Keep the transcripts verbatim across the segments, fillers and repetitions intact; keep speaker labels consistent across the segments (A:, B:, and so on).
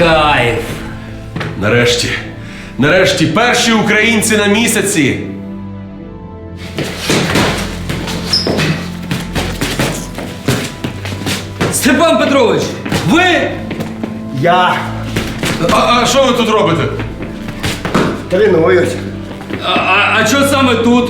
A: Кайф.
B: Нарешті. Нарешті перші українці на місяці.
A: Степан Петрович, ви?
C: Я
B: А, а що ви тут робите?
C: тренуюсь.
A: А, а, а що саме тут?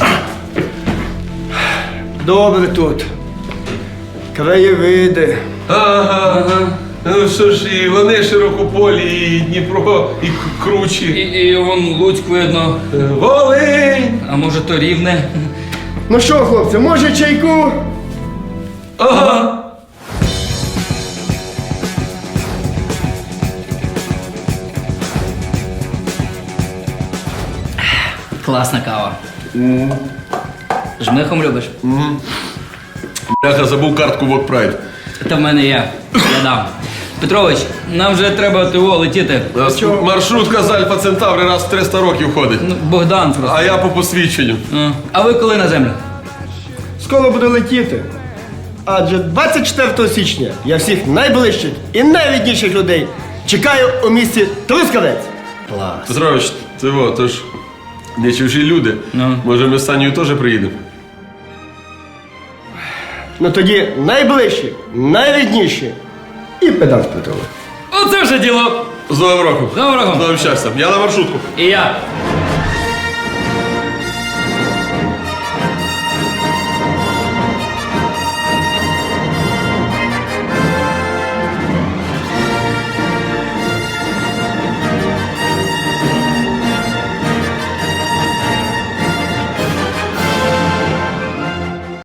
C: Добре тут. Краєвиди.
B: Ага. Ну що ж, і вони широкополі, і Дніпро, і К-
A: І,
B: кручі.
A: і вон Луцьк видно.
B: Волинь!
A: А може то Рівне?
C: Ну що, хлопці, може чайку?
B: Ага.
A: Класна кава. Жмихом любиш?
B: Бляха, забув картку в Окпрайд.
A: Та в мене є. Я дам. Петрович, нам вже треба ТО летіти.
B: Маршрутка з Альфа Центаври раз в триста років ходить.
A: Ну, Богдан просто.
B: А я по посвідченню.
A: А, а ви коли на землю?
C: Скоро буду летіти. Адже двадцять четвертого січня я всіх найближчих і найрідніших людей чекаю у місті Трускавець. Клас.
B: Петрович, ти во, то ж не чужі люди.
A: Ну.
B: Може, ми з Санєю теж приїдемо?
C: Ну тоді найближчі, найрідніші і педант Петрович.
A: Оце вже діло.
B: З Новим роком!
A: З Новим роком.
B: З новим щастям! Я на маршрутку.
A: І я.